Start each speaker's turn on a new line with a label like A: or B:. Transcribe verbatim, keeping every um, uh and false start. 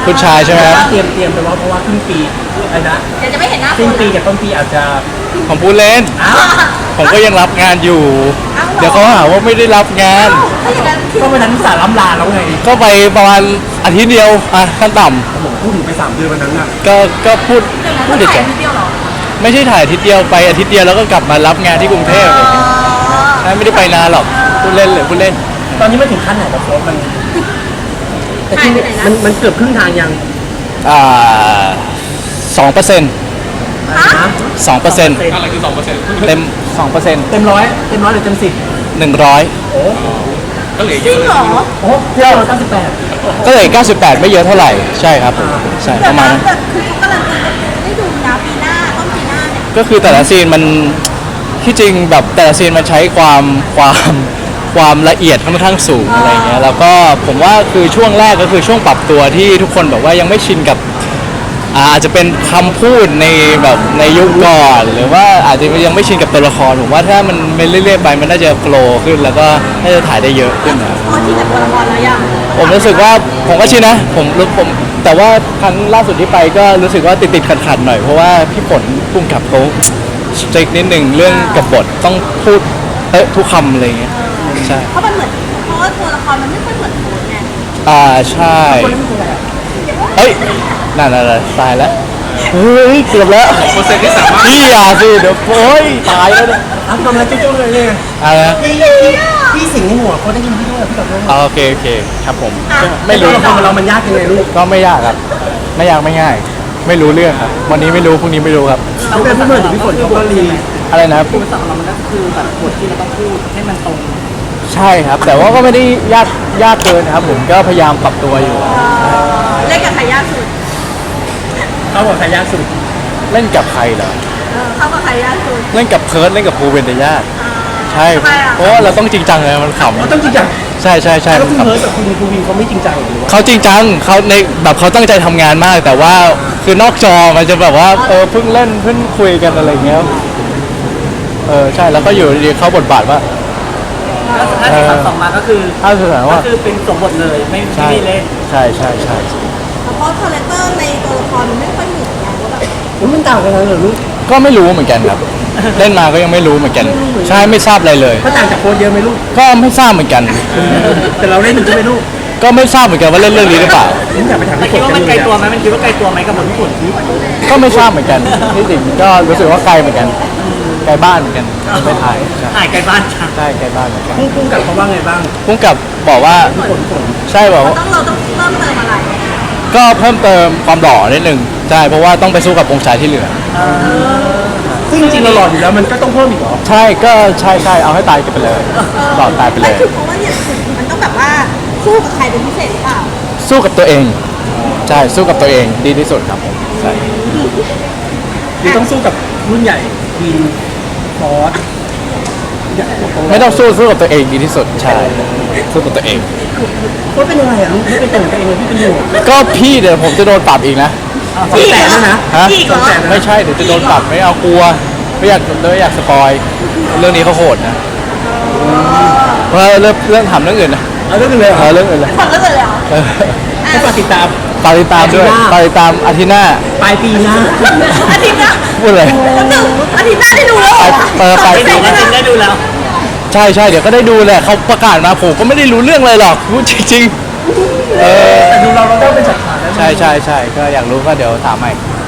A: คุณชายใช่ไหมครับ
B: เตรียมเตรียมไปว่าเพราะว่าครึ่งปีอะไรนะ
C: เดี๋ยวจะไม่เห็นหน้า
B: สิ้นปีกับต้นปีอาจจะ
A: ผมพูดเล่น
B: อ้าว
A: ผมก็ยังรับงานอยู่ เดี๋ยวเขาหาว่าไม่ได้รับงาน
C: ถ้าอย่างนั้น
B: ก็วันนั้นสาล้ำลาแล้วไง
A: ก็ไปประมาณอาทิตย์เดียวอ่ะขั้นต่
B: ผมพูดถึงไปสามเดือนวันนั้นอ่ะ
A: ำก็ก็พูดพูด
C: เดี๋ยว
A: เฉ
C: ถ่าย
A: ย
C: ทีเดียวเหรอ
A: ๆไม่ใช่ถ่ายอาทิตย์เดียวไปอาทิตย์เดียวแล้วก็กลับมารับงานที่กรุงเทพอะไรอย่างเงี้ยใช่ไม่ได้ไปนานหรอกพูดเล่นเลยพูดเล่น
B: ตอนนี้ไม่ถึงขั้นไหนแล้วโค้ชมันแต่
C: หาย
B: ที่
C: ไปไหนนะ
B: มันมันเกือบครึ่งทางยัง
A: อ่าสองเปอร์เซ็นต์
B: อะไรนะ
A: สองเปอร์เซ็นต์
D: อะไรคือสองเปอร์เซ็นต์
A: เต็มสองเปอร์เซ็นต์
B: เต็มร้อยเต็มร้อยหรือเต็มสิบ
A: หนึ่งร้อย
B: โอ้
D: ก็เหลือ
C: จ
D: เย
C: ริ
D: อะ
C: ง
D: เลย
C: เหรอ
B: โหเที่ยวเก้าสิบแปด
A: ก็เลยเก้าสิบแปดไม่เยอะเท่าไหร่ใช่ครับผมใช่ประมาณนั้น
C: แต่คือเขากำลังจะได้ดูนะปีหน้าต้นปีหน้าเนี่ย
A: ก็คือแต่ละซีนมันที่จริงแบบแต่ละซีนมันใช้ความความความละเอียดค่อนข้างสูงอะไรเงี้ยแล้วก็ผมว่าคือช่วงแรกก็คือช่วงปรับตัวที่ทุกคนแบบว่ายังไม่ชินกับอาอาจจะเป็นคำพูดในแบบในยุคก่อนหรือว่าอาจจะยังไม่ชินกับตัวละครผมว่าถ้ามันไปเรื่อยๆไปมันน่าจะโฟลว์ขึ้นแล้วก็น่าจะถ่ายได้เยอะขึ้นนะ
C: พอที่กับตัวละครแล้วยัง
A: ผมรู้สึกว่าผมก็ชินนะผมรู้ผมแต่ว่าครั้งล่าสุดที่ไปก็รู้สึกว่าติดติดขัดขัดๆหน่อยเพราะว่าพี่ฝนพุ่งกับเขาสตริกนิดหนึ่งเรื่องกับบทต้องพูดเอ๊ะทุกคำอะไรเงี้ยใช่
C: เพราะมันเหมือนเพราะว่าตัวละครมันไม่ค่อยเหมือนโค้ชไง
A: อ่าใช่เฮ้ยนั่นอะไรตายแล้วเฮ้ยเกือบแล้ว
D: เปอร์เซ็นต์ที่สามารถ
A: พี่อย่าสิเดี๋ยวโอ้ยตายแล้วเนี่ย
B: อ้าวกำลังจุ๊บๆเลยเนี่ย
A: อะไรนะ
B: พี่พี่สิงในหัวเขาได้ยินพี่ด้วยพี่กับน้อง
A: อ๋อโอเคโอเคครับผม
B: ไม่
A: ไม่
B: รู้
A: รู้
B: ละครของเรามันยากยังไงลูก
A: ก็ไม่ยากครับไม่ยากไม่ง่าย ไม่รู้เรื่องครับวันนี้ไม่รู้พรุ่งนี้ไม่รู้ครับ
B: เราเป็นพี่เหมือนพี่ฝนเขาก็รี
A: อะไรนะครับ
B: อุปสรรคของเรามันก็คือแบบบทที่เราต้องพูดให้มันตรง
A: ใช่ครับ แต่ว่าก็ไม่ได้ยากยากเกินนะครับผมก็พยายามปรับตัวอยู่
C: เล่นกับใครยากสุด
B: เขาบอกใครยากสุด
A: เล่นกับใครเหรอ
C: เออเข้ากับใครยากสุด
A: เล่นกับเพิร์ดเล่นกับภูเวนเดยากใช่
C: ทำไมอ่ะ
A: เพราะว่าเราต้องจริงจังเลยมันข
B: เขาต้องจริงจัง
A: ำใช่ใช่ใช่
B: แล้
A: มั
B: วน คุณ
A: ขำ
B: เฮิร์ตกับคุณคุณวินเขาไม่จริงจังหรือว่า
A: เขาจริงจังเขาในแบบเขาตั้งใจทำงานมาก แต่ว่าคือนอกจอมันจะแบบว่าเออเพิ่งเล่นเพิ่งคุยกันอะไรอย่างเงี้ยเออใช่แล้วก็อยู่ดีๆเข้าบทบาทว่า
B: ถ้าที่สามสองมาก็คือ
A: ถ้าสถาน
B: ก็
A: ว่า
B: คือเป็นสมบทเลยไม่
A: ใช่
B: ไม่ได้เล่น
A: ใช่ใช่ใช่
C: เพราะคาแรคเตอร์ในตัวละครมันไม่ค่อยเหมือนกันว่าแบบ
B: อุ๊ยมันต่างกันเลยเหรอลูก
A: ก็ไม่รู้เหมือนกันครับ เล่นมาก็ยังไม่รู้เหมือนกัน ใช่ไม่ทราบอะไรเลย
B: เขาต่างจากโค้ชเยอะไหมลูก
A: ก็ไม่ทราบเหมือนกัน
B: แต่เราเล่นอยู่ใช่ไหมลูก
A: ก็ไม่ทราบเหมือนกันว่าเล่นเรื่องนี้หรือเปล่า
B: ผมอยากไปถามพี่ฝนกันเลยอะมันคิดว่าไกลตัวไหมกับบทพี่ฝน
A: ก็ไม่ทราบเหมือนกันที่จริงก็รู้สึกว่าไกลเหมือนกันไกลบ้านเหมือนกันไม่ถ่ายใช่
B: ถ่ายไกลบ้านค่ะ
A: ใช่ไกลบ้านเหมือนกัน
B: พุ่งพุ่งกับเขาว่าไงบ้าง
A: พุ่งกับบอกว่า
B: ฝนฝน
A: ใช่บอกว่า
C: ต้องเราต้องเพิ่มเติมอะไร
A: ก็เพิ่มเติมความหล่อนิดนึงใช่เพราะว่าต้องไปสู้กับองค์ชายที่เหลือ
B: ซึ่งจริงๆเราหล่ออยู่แล้วมันก็ต้องเพิ่มอีกเหรอ
A: ใช่ก็ใช่ใช่เอาให้ตายกันไปเลยหล่อตายไปเล
C: ไม่
A: ย
C: คือเพราะว่าเนี่ยมันต้องแบบว่าสู้กับใครเป็นพิเศษหรือเปล่า
A: สู้กับตัวเองใช่สู้กับตัวเองดีที่สุดครับผมใช่
B: หรือต้องสู้กับรุ่นใหญ่วินฟอส
A: ไม่ต้องสู้สู้กับตัวเองดีที่สุดใช่สู้กับตัวเอง
B: โค้ชเป็นยังไงอ่ะลูกไม่เป็นตัวของตัวเองเลยพี่เป็นห่วง
A: ก็พี่เดี๋ยวผมจะโดนปรับอีกนะ
B: สองแสนแล้วนะ
A: ฮะ
C: อีกเหรอ
A: ไม่ใช่เดี๋ยวจะโดนปรับไม่เอากลัวไม่อยากไม่อยากสปอยเรื่องนี้เขาโหดนะเพราะเรื่องเรื่องถามเรื่องอื่นนะ
B: เอาเรื่องอื่นเลยเหร
A: เอ
B: อ
A: อเรื่องอื่นเลย
C: คนละเลยเหรอ
A: เออ
B: ให้ฝากติดตาม
A: ฝากติดตามด้วย
B: อาทิตย์หน้า
A: ฝากติดตามอาทิตย์หน้า
B: ปลายปีหน้า
C: อาทิตย์หน้า
A: พูดเลย
C: แล้วหนึ่งอาทิตย์หน้าได้ดูแล้วเหรอ
A: เออไป
C: สองอาทิตย์หน้า
B: ได้ดูแล้ว
A: ใช่ใช่เดี๋ยวก็ได้ดูแหละเขาประกาศมาผมก็ไม่ได้รู้เรื่องเลยหรอกพูดจริงๆเออ
B: แต่ดูเราเราได้เป็นจัดฉากแล้ว
A: ใช่ใช่ใช่ก็อยากรู้ก็เดี๋ยวถามใหม่
C: เ